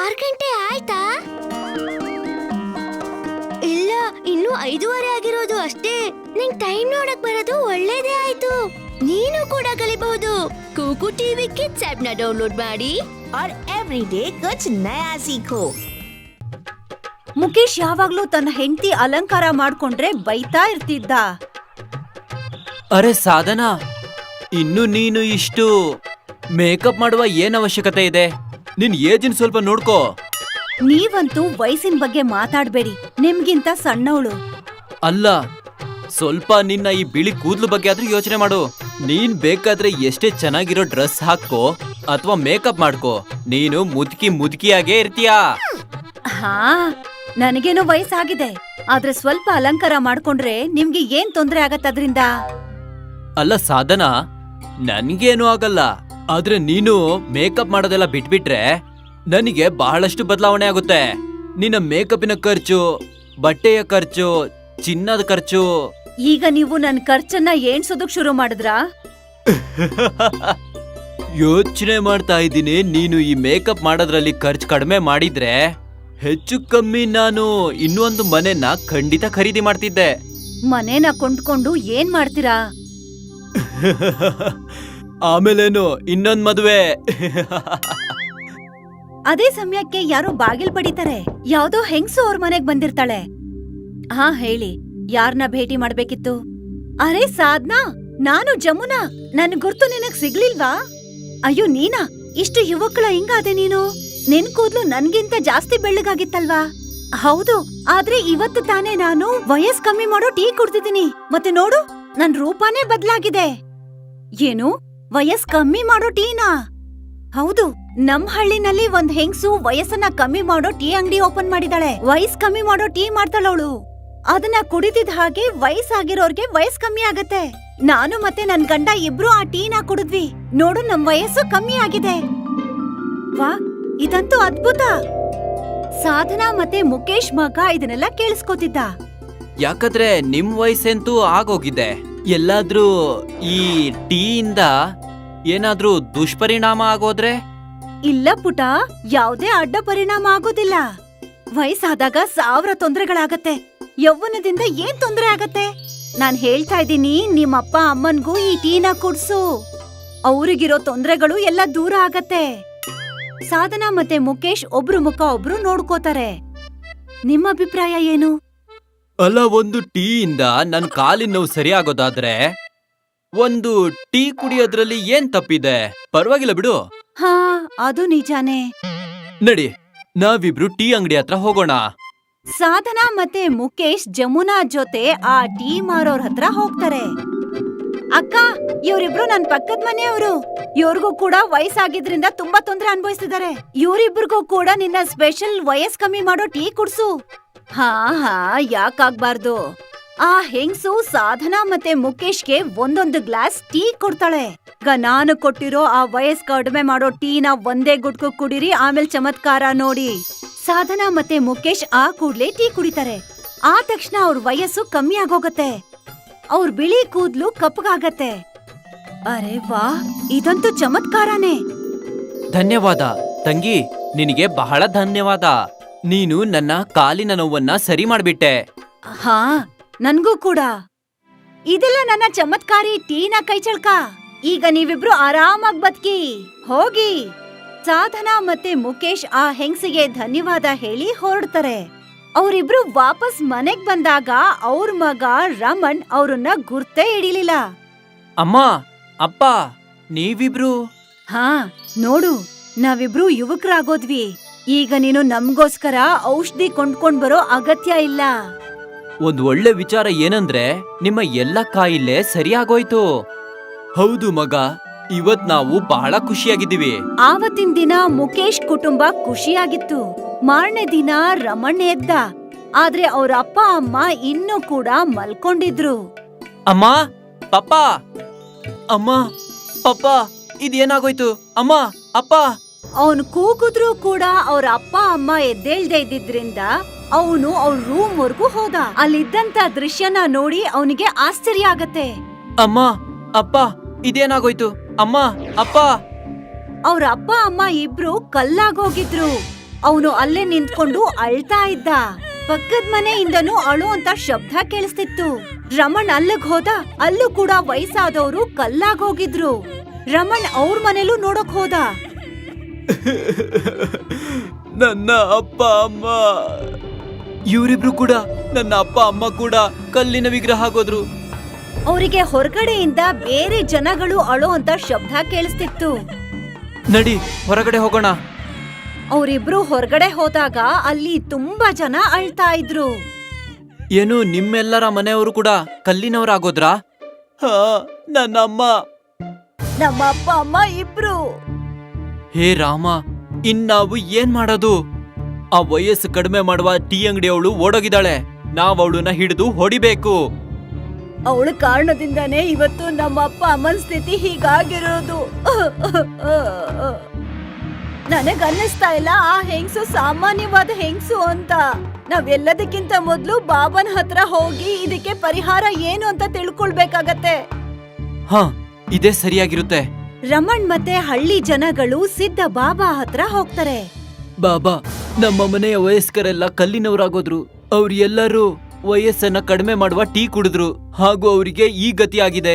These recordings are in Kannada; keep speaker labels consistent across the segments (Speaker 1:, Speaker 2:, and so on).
Speaker 1: 6 ಗಂಟೆ ಆಯ್ತಾ? ಇಲ್ಲ, ಇನ್ನು 5:15 ಆಗಿರೋದು ಅಷ್ಟೇ. ನಿಂಗ್ ಟೈಮ್ ನೋಡಕ್ ಬರೋದು ಒಳ್ಳೇದೇ ಆಯ್ತು. ನೀನು ಕೂಡ ಕಲಿಬಹುದು. ಕೂಕು ಟಿವಿ ಕಿಡ್ಸ್ ಆಪ್ ನ ಡೌನ್ಲೋಡ್ ಮಾಡಿ
Speaker 2: और एवरीडे कुछ नया सीखो।
Speaker 3: ಮುಕೇಶ್ ಯಾವಾಗ್ಲೂ ತನ್ನ ಹೆಂಡತಿ ಅಲಂಕಾರ ಮಾಡ್ಕೊಂಡ್ರೆ ಬೈತಾ ಇರ್ತಿದ್ದ.
Speaker 4: ಅರೆ ಸಾಧನಾ, ಇನ್ನು ನೀನು ಇಷ್ಟು ಮೇಕಪ್ ಮಾಡುವ ಏನ್ ಅವಶ್ಯಕತೆ ಇದೆ? ನಿನ್ ಏಜಿನ ಸ್ವಲ್ಪ ನೋಡ್ಕೋ.
Speaker 3: ನೀವಂತೂ ವಯಸ್ಸಿನ ಬಗ್ಗೆ ಮಾತಾಡ್ಬೇಡಿ, ನಿಮ್ಗಿಂತ ಸಣ್ಣವಳು.
Speaker 4: ಅಲ್ಲ, ಸ್ವಲ್ಪ ನಿನ್ನ ಈ ಬಿಳಿ ಕೂದ್ಲು ಬಗ್ಗೆ ಆದ್ರೂ ಯೋಚನೆ ಮಾಡು. ನೀನ್ ಬೇಕಾದ್ರೆ ಎಷ್ಟೇ ಚೆನ್ನಾಗಿರೋ ಡ್ರೆಸ್ ಹಾಕೋ ಅಥವಾ ಮೇಕಪ್ ಮಾಡ್ಕೋ, ನೀನು ಮುದುಕಿಯಾಗೇ ಇರ್ತೀಯಾ.
Speaker 3: ಹಾ, ನನಗೇನೋ ವಯಸ್ಸಾಗಿದೆ, ಆದ್ರೆ ಸ್ವಲ್ಪ ಅಲಂಕಾರ ಮಾಡ್ಕೊಂಡ್ರೆ ನಿಮ್ಗೆ ಏನ್ ತೊಂದ್ರೆ ಆಗತ್ತದ್ರಿಂದ?
Speaker 4: ಅಲ್ಲ ಸಾಧನಾ, ನನ್ಗೇನು ಆಗಲ್ಲ. ಆದ್ರೆ ನೀನು ಮೇಕಪ್ ಮಾಡೋದೆಲ್ಲ ಬಿಟ್ಬಿಟ್ರೆ ನನಗೆ ಬಹಳಷ್ಟು ಬದಲಾವಣೆ ಆಗುತ್ತೆ. ನಿನ್ನ ಮೇಕಪ್ಪಿನ ಖರ್ಚು, ಬಟ್ಟೆಯ ಖರ್ಚು, ಚಿನ್ನದ ಖರ್ಚು.
Speaker 3: ಈಗ ನೀವು ನನ್ ಖರ್ಚನ್ನ ಎಣ್ಸೋದಕ್ ಶುರು ಮಾಡಿದ್ರಾ?
Speaker 4: ಯೋಚನೆ ಮಾಡ್ತಾ ಇದ್ದೀನಿ, ನೀನು ಈ ಮೇಕಪ್ ಮಾಡೋದ್ರಲ್ಲಿ ಖರ್ಚು ಕಡಿಮೆ ಮಾಡಿದ್ರೆ ಹೆಚ್ಚು ಕಮ್ಮಿ ನಾನು ಇನ್ನೊಂದು ಮನೆನ ಖಂಡಿತ ಖರೀದಿ ಮಾಡ್ತಿದ್ದೆ.
Speaker 3: ಮನೇನ ಕೊಂಡ್ಕೊಂಡು ಏನ್ ಮಾಡ್ತೀರಾ?
Speaker 4: ಆಮೇಲೇನು, ಇನ್ನೊಂದ್ ಮದುವೆ.
Speaker 3: ಅದೇ ಸಮಯಕ್ಕೆ ಯಾರೋ ಬಾಗಿಲ್ ಬಡಿತಾರೆ. ಯಾವ್ದೋ ಹೆಂಗ್ಸು ಅವ್ರ ಮನೆಗ್ ಬಂದಿರ್ತಾಳೆ. ಹಾ, ಹೇಳಿ, ಯಾರನ್ನ ಭೇಟಿ ಮಾಡ್ಬೇಕಿತ್ತು? ಅರೆ ಸಾಧ್ನಾ, ನಾನು ಜಮುನಾ. ನನ್ ಗುರ್ತು ನಿನಗ್ ಸಿಗ್ಲಿಲ್ವಾ? ಅಯ್ಯೋ ನೀನಾ, ಇಷ್ಟು ಯುವಕಳ ಹಿಂಗಾದೆ ನೀನು. ನಿನ್ ಕೂದ್ಲು ನನ್ಗಿಂತ ಜಾಸ್ತಿ ಬೆಳ್ಳಗಾಗಿತ್ತಲ್ವಾ? ಹೌದು, ಆದ್ರೆ ಇವತ್ತು ತಾನೇ ನಾನು ವಯಸ್ ಕಮ್ಮಿ ಮಾಡೋ ಟೀ ಕುಡ್ತಿದ್ದೀನಿ. ಮತ್ತೆ ನೋಡು, ನನ್ ರೂಪಾನೇ ಬದ್ಲಾಗಿದೆ. ಏನು, ವಯಸ್ ಕಮ್ಮಿ ಮಾಡೋ ಟೀನಾ? ಹೌದು, ನಮ್ ಹಳ್ಳಿನಲ್ಲಿ ಒಂದ್ ಹೆಂಗ್ಸು ವಯಸ್ಸನ್ನ ಕಮ್ಮಿ ಮಾಡೋ ಟೀ ಅಂಗಡಿ ಓಪನ್ ಮಾಡಿದಾಳೆ. ವಯಸ್ ಕಮ್ಮಿ ಮಾಡೋ ಟೀ ಮಾಡ್ತಾಳವಳು. ಅದನ್ನ ಕುಡಿದಿದ್ ಹಾಗೆ ವಯಸ್ಸಾಗಿರೋರ್ಗೆ ವಯಸ್ ಕಮ್ಮಿ ಆಗತ್ತೆ. ನಾನು ಮತ್ತೆ ನನ್ ಗಂಡ ಇಬ್ರು ಆ ಟೀನ ಕುಡಿದ್ವಿ. ನೋಡು, ನಮ್ ವಯಸ್ಸು ಕಮ್ಮಿ ಆಗಿದೆ. ವಾ, ಇದಂತೂ ಅದ್ಭುತ. ಸಾಧನಾ ಮತ್ತೆ ಮುಕೇಶ್ ಮಗ ಇದನ್ನೆಲ್ಲ ಕೇಳಿಸ್ಕೊತಿದ್ದ.
Speaker 4: ಯಾಕಂದ್ರೆ ನಿಮ್ ವಯಸ್ಸಂತೂ ಆಗೋಗಿದೆ. ಎಲ್ಲಾದ್ರೂ ಈ ಟೀಯಿಂದ ಏನಾದ್ರೂ ದುಷ್ಪರಿಣಾಮ ಆಗೋದ್ರೆ?
Speaker 3: ಇಲ್ಲ ಪುಟ, ಯಾವ್ದೇ ಅಡ್ಡ ಪರಿಣಾಮ ಆಗೋದಿಲ್ಲ. ವಯಸ್ಸಾದಾಗ 1000 ತೊಂದರೆಗಳಾಗತ್ತೆ. ಯೌವನದಿಂದ ಏನ್ ತೊಂದ್ರೆ ಆಗತ್ತೆ? ನಾನ್ ಹೇಳ್ತಾ ಇದ್ದೀನಿ, ನಿಮ್ಮಪ್ಪ ಅಮ್ಮನ್ಗೂ ಈ ಟೀನ ಕುಡ್ಸು. ಅವ್ರಿಗಿರೋ ತೊಂದ್ರೆಗಳು ಎಲ್ಲ ದೂರ ಆಗತ್ತೆ. ಸಾಧನಾ ಮತ್ತೆ ಮುಕೇಶ್ ಒಬ್ರು ಮುಖ ಒಬ್ರು ನೋಡ್ಕೋತಾರೆ. ನಿಮ್ಮ ಅಭಿಪ್ರಾಯ ಏನು?
Speaker 4: ಅಲ್ಲ, ಒಂದು ಟೀಯಿಂದ ನನ್ ಕಾಲಿನ ನೋವು ಸರಿ ಆಗೋದಾದ್ರೆ ಒಂದು ಟೀ ಕುಡಿಯೋದ್ರಲ್ಲಿ ಏನ್ ತಪ್ಪಿದೆ? ಪರವಾಗಿಲ್ಲ ಬಿಡು.
Speaker 3: ಹಾ, ಅದು ನಿಜಾನೇ.
Speaker 4: ನಡಿ, ನಾವಿಬ್ರು ಟೀ ಅಂಗಡಿ ಹತ್ರ ಹೋಗೋಣ.
Speaker 3: ಸಾಧನಾ ಮತ್ತೆ ಮುಕೇಶ್ ಜಮುನಾ ಜೊತೆ ಆ ಟೀ ಮಾರೋರ್ ಹತ್ರ ಹೋಗ್ತಾರೆ. ಅಕ್ಕ, ಇವ್ರಿಬ್ರು ನನ್ ಪಕ್ಕದ ಮನೆಯವರು. ಇವ್ರಿಗೂ ಕೂಡ ವಯಸ್ಸಾಗಿದ್ರಿಂದ ತುಂಬಾ ತೊಂದ್ರೆ ಅನುಭವಿಸ್ತಿದ್ದಾರೆ. ಇವ್ರಿಬ್ರಿಗೂ ಕೂಡ ನಿನ್ನ ಸ್ಪೆಷಲ್ ವಯಸ್ ಕಮ್ಮಿ ಮಾಡೋ ಟೀ ಕುಡ್ಸು. ಹಾ, ಯಾಕಾಗ್ಬಾರ್ದು. ಆ ಹೆಂಗ್ಸು ಸಾಧನಾ ಮತ್ತೆ ಮುಕೇಶ್ಗೆ ಒಂದೊಂದು ಗ್ಲಾಸ್ ಟೀ ಕೊಡ್ತಾಳೆ. ನಾನು ಕೊಟ್ಟಿರೋ ಆ ವಯಸ್ ಕಡಿಮೆ ಮಾಡೋ ಟೀನ ಒಂದೇ ಗುಟ್ಕು ಕುಡಿರಿ, ಆಮೇಲೆ ಚಮತ್ಕಾರ ನೋಡಿ. ಸಾಧನಾ ಮತ್ತೆ ಮುಕೇಶ್ ಆ ಕೂಡ್ಲೆ ಟೀ ಕುಡಿತಾರೆ. ಆ ತಕ್ಷಣ ಅವ್ರ ವಯಸ್ಸು ಕಮ್ಮಿ ಆಗೋಗತ್ತೆ. ಅವ್ರ ಬಿಳಿ ಕೂದ್ಲು ಕಪ್ಪಗಾಗತ್ತೆ. ಅರೆ ವಾ, ಇದಂತೂ ಚಮತ್ಕಾರನೇ.
Speaker 4: ಧನ್ಯವಾದ ತಂಗಿ, ನಿನಗೆ ಬಹಳ ಧನ್ಯವಾದ. ನೀನು ನನ್ನ ಕಾಲಿನ ನೋವನ್ನ ಸರಿ ಮಾಡ್ಬಿಟ್ಟೆ.
Speaker 3: ಹಾ, ನನ್ಗೂ ಕೂಡ. ಇದೆಲ್ಲ ನನ್ನ ಚಮತ್ಕಾರಿ ಟೀನ ಕೈಚಳ್ಕ. ಈಗ ನೀವಿಬ್ರು ಆರಾಮಾಗ್ ಬದುಕಿ ಹೋಗಿ. ಸಾಧನಾ ಮತ್ತೆ ಮುಕೇಶ್ ಆ ಹೆಂಗ್ಸಿಗೆ ಧನ್ಯವಾದ ಹೇಳಿ ಹೊರಡ್ತಾರೆ. ಅವರಿಬ್ರು ವಾಪಸ್ ಮನೆಗ್ ಬಂದಾಗ ಅವ್ರ ಮಗ ರಮಣ್ ಅವ್ರನ್ನ ಗುರ್ತೇ ಹಿಡಿಲಿಲ್ಲ.
Speaker 4: ಅಮ್ಮ, ಅಪ್ಪ, ನೀವಿಬ್ರು?
Speaker 3: ಹಾ, ನೋಡು, ನಾವಿಬ್ರು ಯುವಕರಾಗೋದ್ವಿ. ಈಗ ನೀನು ನಮ್ಗೋಸ್ಕರ ಔಷಧಿ ಕೊಂಡ್ಕೊಂಡ್ ಬರೋ ಅಗತ್ಯ ಇಲ್ಲ.
Speaker 4: ಒಂದ್ ಒಳ್ಳೆ ವಿಚಾರ ಏನಂದ್ರೆ ನಿಮ್ಮ ಎಲ್ಲ ಕಾಯಿಲೆ ಸರಿಯಾಗೋಯ್ತು. ಹೌದು ಮಗ, ಇವತ್ ನಾವು ಬಹಳ ಖುಷಿಯಾಗಿದ್ದೀವಿ.
Speaker 3: ಆವತ್ತಿನ ದಿನ ಮುಕೇಶ್ ಕುಟುಂಬ ಖುಷಿಯಾಗಿತ್ತು. ಮಾರನೇ ದಿನ ರಮಣ್ ಎದ್ದ, ಆದ್ರೆ ಅವ್ರ ಅಪ್ಪ ಅಮ್ಮ ಇನ್ನೂ ಕೂಡ ಮಲ್ಕೊಂಡಿದ್ರು.
Speaker 4: ಅಮ್ಮ, ಪಪ್ಪ, ಅಮ್ಮ, ಪಪ್ಪ, ಇದೇನಾಗೋಯ್ತು? ಅಮ್ಮ, ಅಪ್ಪ.
Speaker 3: ಅವನು ಕೂಗಿದ್ರು ಕೂಡ ಅವ್ರ ಅಪ್ಪ ಅಮ್ಮ ಎದ್ದೇಳ್ದೆ ಇದ್ದಿದ್ರಿಂದ ಅವನು ಅವ್ರ ರೂಮ್ ವರ್ಗೂ ಹೋದ. ಅಲ್ಲಿದ್ದಂತ ದೃಶ್ಯನ ನೋಡಿ ಅವನಿಗೆ ಆಶ್ಚರ್ಯ ಆಗತ್ತೆ.
Speaker 4: ಅಮ್ಮ, ಅಪ್ಪ, ಇದೇನಾಗೋಯ್ತು? ಅಮ್ಮ, ಅಪ್ಪ.
Speaker 3: ಅವ್ರ ಅಪ್ಪ ಅಮ್ಮ ಇಬ್ರು ಕಲ್ಲಾಗೋಗಿದ್ರು. ಅವನು ಅಲ್ಲೇ ನಿಂತ್ಕೊಂಡು ಅಳ್ತಾ ಇದ್ದ. ಪಕ್ಕದ ಮನೆಯಿಂದನೂ ಅಳು ಅಂತ ಶಬ್ದ ಕೇಳಿಸ್ತಿತ್ತು. ರಮಣ್ ಅಲ್ಲಿಗ್ ಹೋದ. ಅಲ್ಲೂ ಕೂಡ ವಯಸ್ಸಾದವರು ಕಲ್ಲಾಗ್ ಹೋಗಿದ್ರು. ರಮಣ್ ಅವ್ರ ಮನೇಲೂ ನೋಡಕ್ ಹೋದ.
Speaker 4: ನನ್ನ ಅಪ್ಪ ಅಮ್ಮ, ಇವರಿಬ್ರು ಕೂಡ, ನನ್ನ ಅಪ್ಪ ಅಮ್ಮ ಕೂಡ ಕಲ್ಲಿನ ವಿಗ್ರಹ ಆಗೋದ್ರು.
Speaker 3: ಅವರಿಗೆ ಹೊರಗಡೆಯಿಂದ ಬೇರೆ ಜನಗಳು ಅಳೋ ಅಂತ ಶಬ್ದ ಕೇಳಿಸ್ತಿತ್ತು.
Speaker 4: ನಡಿ ಹೊರಗಡೆ ಹೋಗೋಣ.
Speaker 3: ಅವರಿಬ್ರು ಹೊರಗಡೆ ಹೋದಾಗ ಅಲ್ಲಿ ತುಂಬಾ ಜನ ಅಳ್ತಾ ಇದ್ರು.
Speaker 4: ಏನು ನಿಮ್ಮೆಲ್ಲರ ಮನೆಯವರು ಕೂಡ ಕಲ್ಲಿನವರಾಗೋದ್ರಾ? ಹಾ, ನನ್ನಮ್ಮ.
Speaker 3: ನಮ್ಮ ಅಪ್ಪ ಅಮ್ಮ ಇಬ್ರು.
Speaker 4: ಹೇ ರಾಮ, ಇನ್ನಾವು ಏನ್ ಮಾಡೋದು? ಆ ವಯಸ್ಸು ಕಡಿಮೆ ಮಾಡುವ ಟೀ ಅಂಗಡಿಯವಳು ಓಡೋಗಿದ್ದಾಳೆ. ನಾವ್ ಅವಳನ್ನ ಹಿಡಿದು ಹೊಡಿಬೇಕು.
Speaker 3: ಅವಳ ಕಾರಣದಿಂದಾನೇ ಇವತ್ತು ನಮ್ಮ ಅಪ್ಪ ಅಮ್ಮನ ಸ್ಥಿತಿ ಹೀಗಾಗಿರೋದು. ನನಗನ್ನಿಸ್ತಾ ಇಲ್ಲ ಆ ಹೆಂಗ್ಸು ಸಾಮಾನ್ಯವಾದ ಹೆಂಗ್ಸು ಅಂತ. ನಾವೆಲ್ಲದಕ್ಕಿಂತ ಮೊದ್ಲು ಬಾಬನ್ ಹತ್ರ ಹೋಗಿ ಇದಕ್ಕೆ ಪರಿಹಾರ ಏನು ಅಂತ ತಿಳ್ಕೊಳ್ಬೇಕಾಗತ್ತೆ.
Speaker 4: ಹಾ, ಇದೇ ಸರಿಯಾಗಿರುತ್ತೆ.
Speaker 3: ರಮಣ್ ಮತ್ತೆ ಹಳ್ಳಿ ಜನಗಳು ಸಿದ್ಧ ಬಾಬಾ ಹತ್ರ ಹೋಗ್ತಾರೆ.
Speaker 4: ಬಾಬಾ, ನಮ್ಮ ಮನೆಯ ವಯಸ್ಕರೆಲ್ಲ ಕಲ್ಲಿನವರಾಗೋದ್ರು. ಅವ್ರು ಎಲ್ಲರೂ ವಯಸ್ಸನ್ನ ಕಡಿಮೆ ಮಾಡುವ ಟೀ ಕುಡಿದ್ರು, ಹಾಗೂ ಅವರಿಗೆ ಈ ಗತಿ ಆಗಿದೆ.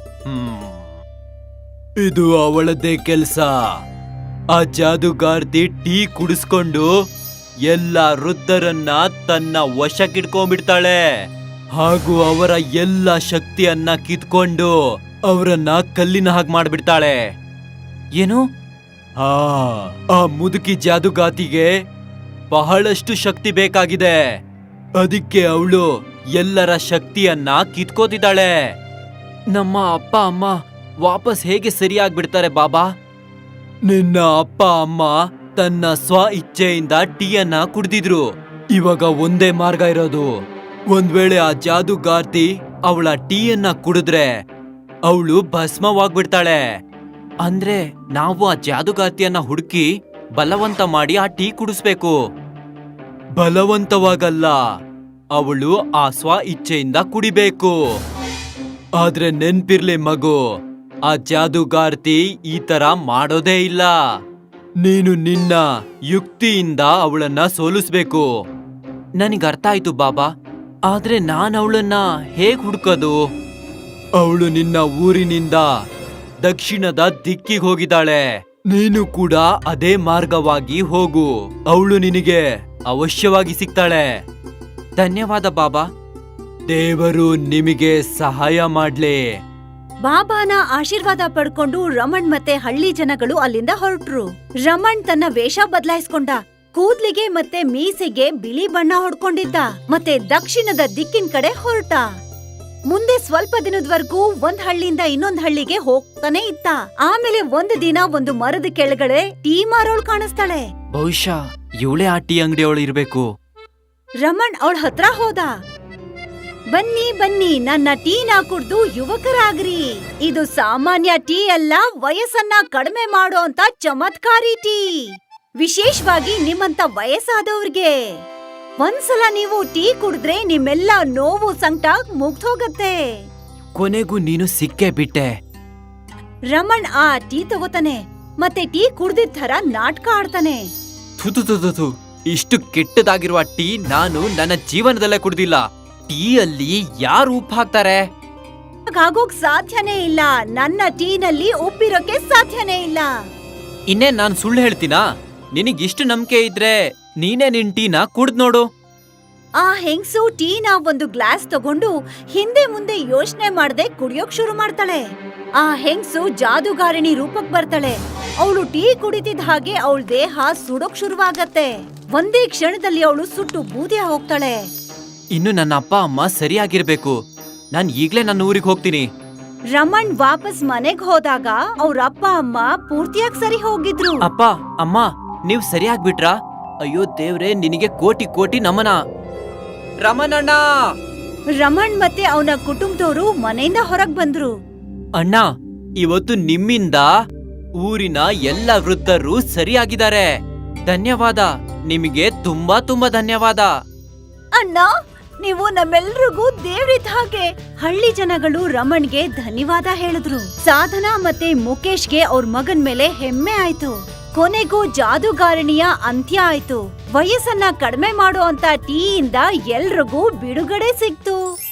Speaker 4: ಇದು ಅವಳದ್ದೇ ಕೆಲ್ಸ. ಆ ಜಾದುಗಾರ್ತಿ ಟೀ ಕುಡಿಸ್ಕೊಂಡು ಎಲ್ಲ ವೃದ್ಧರನ್ನ ತನ್ನ ವಶಕ್ಕಿಡ್ಕೊಂಡ್ಬಿಡ್ತಾಳೆ, ಹಾಗೂ ಅವರ ಎಲ್ಲ ಶಕ್ತಿಯನ್ನ ಕಿತ್ಕೊಂಡು ಅವರನ್ನ ಕಲ್ಲಿನ ಹಾಗೆ ಮಾಡ್ಬಿಡ್ತಾಳೆ. ಏನು? ಆ ಮುದುಕಿ ಜಾದುಗಾತಿಗೆ ಬಹಳಷ್ಟು ಶಕ್ತಿ ಬೇಕಾಗಿದೆ. ಅದಕ್ಕೆ ಅವಳು ಎಲ್ಲರ ಶಕ್ತಿಯನ್ನ ಕಿತ್ಕೋತಿದ್ದಾಳೆ. ನಮ್ಮ ಅಪ್ಪ ಅಮ್ಮ ವಾಪಸ್ ಹೇಗೆ ಸರಿಯಾಗ್ಬಿಡ್ತಾರೆ ಬಾಬಾ? ನಿನ್ನ ಅಪ್ಪ ಅಮ್ಮ ತನ್ನ ಸ್ವ ಇಚ್ಛೆಯಿಂದ ಟೀಯನ್ನ ಕುಡ್ದಿದ್ರು. ಇವಾಗ ಒಂದೇ ಮಾರ್ಗ ಇರೋದು. ಒಂದ್ ವೇಳೆ ಆ ಜಾದುಗಾರ್ತಿ ಅವಳ ಟೀಯನ್ನ ಕುಡಿದ್ರೆ ಅವಳು ಭಸ್ಮವಾಗ್ಬಿಡ್ತಾಳೆ. ಅಂದ್ರೆ ನಾವು ಆ ಜಾದುಗಾತಿಯನ್ನ ಹುಡುಕಿ ಬಲವಂತ ಮಾಡಿ ಆ ಟೀ ಕುಡಿಸ್ಬೇಕು. ಬಲವಂತವಾಗಲ್ಲ, ಅವಳು ಆ ಸ್ವ ಇಚ್ಛೆಯಿಂದ ಕುಡಿಬೇಕು. ಆದ್ರೆ ನೆನ್ಪಿರ್ಲಿ ಮಗು, ಆ ಜಾದುಗಾರ್ತಿ ಈ ತರ ಮಾಡೋದೇ ಇಲ್ಲ. ನೀನು ನಿನ್ನ ಯುಕ್ತಿಯಿಂದ ಅವಳನ್ನ ಸೋಲಿಸ್ಬೇಕು. ನನಗ್ ಅರ್ಥ ಆಯ್ತು ಬಾಬಾ, ಆದ್ರೆ ನಾನ್ ಅವಳನ್ನ ಹೇಗ್ ಹುಡ್ಕೋದು? ಅವಳು ನಿನ್ನ ಊರಿನಿಂದ ದಕ್ಷಿಣದ ದಿಕ್ಕಿಗೆ ಹೋಗಿದ್ದಾಳೆ. ನೀನು ಕೂಡ ಅದೇ ಮಾರ್ಗವಾಗಿ ಹೋಗು. ಅವಳು ನಿನಗೆ ಅವಶ್ಯವಾಗಿ ಸಿಗ್ತಾಳೆ. ಧನ್ಯವಾದ ಬಾಬಾ. ದೇವರು ನಿಮಗೆ ಸಹಾಯ ಮಾಡ್ಲಿ.
Speaker 3: ಬಾಬಾನ ಆಶೀರ್ವಾದ ಪಡ್ಕೊಂಡು ರಮಣ್ ಮತ್ತೆ ಹಳ್ಳಿ ಜನಗಳು ಅಲ್ಲಿಂದ ಹೊರಟ್ರು. ರಮಣ್ ತನ್ನ ವೇಷ ಬದಲಾಯಿಸ್ಕೊಂಡ. ಕೂದ್ಲಿಗೆ ಮತ್ತೆ ಮೀಸೆಗೆ ಬಿಳಿ ಬಣ್ಣ ಹೊಡ್ಕೊಂಡಿದ್ದ. ಮತ್ತೆ ದಕ್ಷಿಣದ ದಿಕ್ಕಿನ ಕಡೆ ಹೊರಟ. ಮುಂದೆ ಸ್ವಲ್ಪ ದಿನದವರೆಗೂ ಒಂದ್ ಹಳ್ಳಿಯಿಂದ ಇನ್ನೊಂದ್ ಹಳ್ಳಿಗೆ ಹೋಗ್ತಾನೆ ಇತ್ತ. ಆಮೇಲೆ ಒಂದು ದಿನ ಒಂದು ಮರದ ಕೆಳಗಡೆ ಟೀ ಮಾರೋಳ್ ಕಾಣಿಸ್ತಾಳೆ.
Speaker 4: ಬಹುಶಃ ಇವಳೇ ಆ ಟೀ ಅಂಗಡಿಯವಳು ಇರ್ಬೇಕು.
Speaker 3: ರಮಣ್ ಅವಳ ಹತ್ರ ಹೋದ. ಬನ್ನಿ ಬನ್ನಿ, ನನ್ನ ಟೀನ ಕುಡ್ದು ಯುವಕರಾಗ್ರಿ. ಇದು ಸಾಮಾನ್ಯ ಟೀ ಅಲ್ಲ, ವಯಸ್ಸನ್ನ ಕಡಿಮೆ ಮಾಡೋ ಅಂತ ಚಮತ್ಕಾರಿ ಟೀ. ವಿಶೇಷವಾಗಿ ನಿಮ್ಮಂತ ವಯಸ್ಸಾದವ್ರಿಗೆ. ಒಂದ್ಸಲ ನೀವು ಟೀ ಕುಡಿದ್ರೆ ನಿಮ್ಮೆಲ್ಲ ನೋವು ಸಂಕಟ ಮುಗ್ದೋಗತ್ತೆ.
Speaker 4: ಕೊನೆಗೂ ನೀನು ಸಿಕ್ಕೇ ಬಿಟ್ಟೆ.
Speaker 3: ರಮಣ್ ಆ ಟೀ ತಗೋತಾನೆ ಮತ್ತೆ ಟೀ ಕುಡ್ದಿದ್ ತರ ನಾಟಕ ಆಡ್ತಾನೆ.
Speaker 4: ಥು, ಇಷ್ಟು ಕೆಟ್ಟದಾಗಿರುವ ಟೀ ನಾನು ನನ್ನ ಜೀವನದಲ್ಲೇ ಕುಡ್ದಿಲ್ಲ. ಟೀ ಅಲ್ಲಿ ಯಾರು ಉಪ್ಪು ಹಾಕ್ತಾರೆ?
Speaker 3: ಹಾಗೋಕ್ ಸಾಧ್ಯನೇ ಇಲ್ಲ. ನನ್ನ ಟೀನಲ್ಲಿ ಉಪ್ಪಿರೋಕೆ ಸಾಧ್ಯನೇ ಇಲ್ಲ.
Speaker 4: ಇನ್ನೇನ್ ನಾನ್ ಸುಳ್ಳು ಹೇಳ್ತೀನಾ? ನಿನಗಿಷ್ಟು ನಂಬಿಕೆ ಇದ್ರೆ ನೀನೇ ನಿನ್ ಟೀನ ಕುಡ್ದ್ ನೋಡು.
Speaker 3: ಆ ಹೆಂಗ್ಸು ಟೀನ ಒಂದು ಗ್ಲಾಸ್ ತಗೊಂಡು ಹಿಂದೆ ಮುಂದೆ ಯೋಚನೆ ಮಾಡದೆ ಕುಡಿಯೋಕ್ ಶುರು ಮಾಡ್ತಾಳೆ. ಆ ಹೆಂಗ್ಸು ಜಾದುಗಾರಿಣಿ ರೂಪಕ್ ಬರ್ತಾಳೆ. ಅವಳು ಟೀ ಕುಡಿತಿದ್ದ ಹಾಗೆ ಅವಳ ದೇಹ ಸುಡೋಕ್ ಶುರುವಾಗತ್ತೆ. ಒಂದೇ ಕ್ಷಣದಲ್ಲಿ ಅವಳು ಸುಟ್ಟು ಬೂದಿ ಹೋಗ್ತಾಳೆ.
Speaker 4: ಇನ್ನು ನನ್ನ ಅಪ್ಪ ಅಮ್ಮ ಸರಿಯಾಗಿರ್ಬೇಕು. ನಾನ್ ಈಗ್ಲೇ ನನ್ನ ಊರಿಗೆ ಹೋಗ್ತೀನಿ.
Speaker 3: ರಮಣ್ ವಾಪಸ್ ಮನೆಗ್ ಹೋದಾಗ ಅವ್ರ ಅಪ್ಪ ಅಮ್ಮ ಪೂರ್ತಿಯಾಗಿ ಸರಿ ಹೋಗಿದ್ರು.
Speaker 4: ಅಪ್ಪ ಅಮ್ಮ, ನೀವ್ ಸರಿಯಾಗ್ಬಿಟ್ರಾ? ಅಯ್ಯೋ ದೇವ್ರೆ, ನಿನಗೆ ಕೋಟಿ ಕೋಟಿ ನಮನ. ರಮಣಣ್ಣ!
Speaker 3: ರಮಣ್ ಮತ್ತೆ ಅವನ ಕುಟುಂಬದವರು ಮನೆಯಿಂದ ಹೊರಗ್ ಬಂದ್ರು.
Speaker 4: ಅಣ್ಣ, ಇವತ್ತು ನಿಮ್ಮಿಂದ ಊರಿನ ಎಲ್ಲ ವೃದ್ಧರು ಸರಿಯಾಗಿದ್ದಾರೆ. ಧನ್ಯವಾದ. ನಿಮಗೆ ತುಂಬಾ ತುಂಬಾ ಧನ್ಯವಾದ.
Speaker 3: ಅಣ್ಣ, ನೀವು ನಮ್ಮೆಲ್ರಿಗೂ ದೇವ್ರಿದ್ದ ಹಾಗೆ. ಹಳ್ಳಿ ಜನಗಳು ರಮಣ್ಗೆ ಧನ್ಯವಾದ ಹೇಳಿದ್ರು. ಸಾಧನಾ ಮತ್ತೆ ಮುಖೇಶ್ಗೆ ಅವ್ರ ಮಗನ್ ಮೇಲೆ ಹೆಮ್ಮೆ ಆಯ್ತು. ಕೊನೆಗೂ ಜಾದುಗಾರಣಿಯ ಅಂತ್ಯ ಆಯ್ತು. ವಯಸ್ಸನ್ನ ಕಡಿಮೆ ಮಾಡೋ ಅಂತ ಟೀಯಿಂದ ಎಲ್ರಿಗೂ ಬಿಡುಗಡೆ ಸಿಕ್ತು.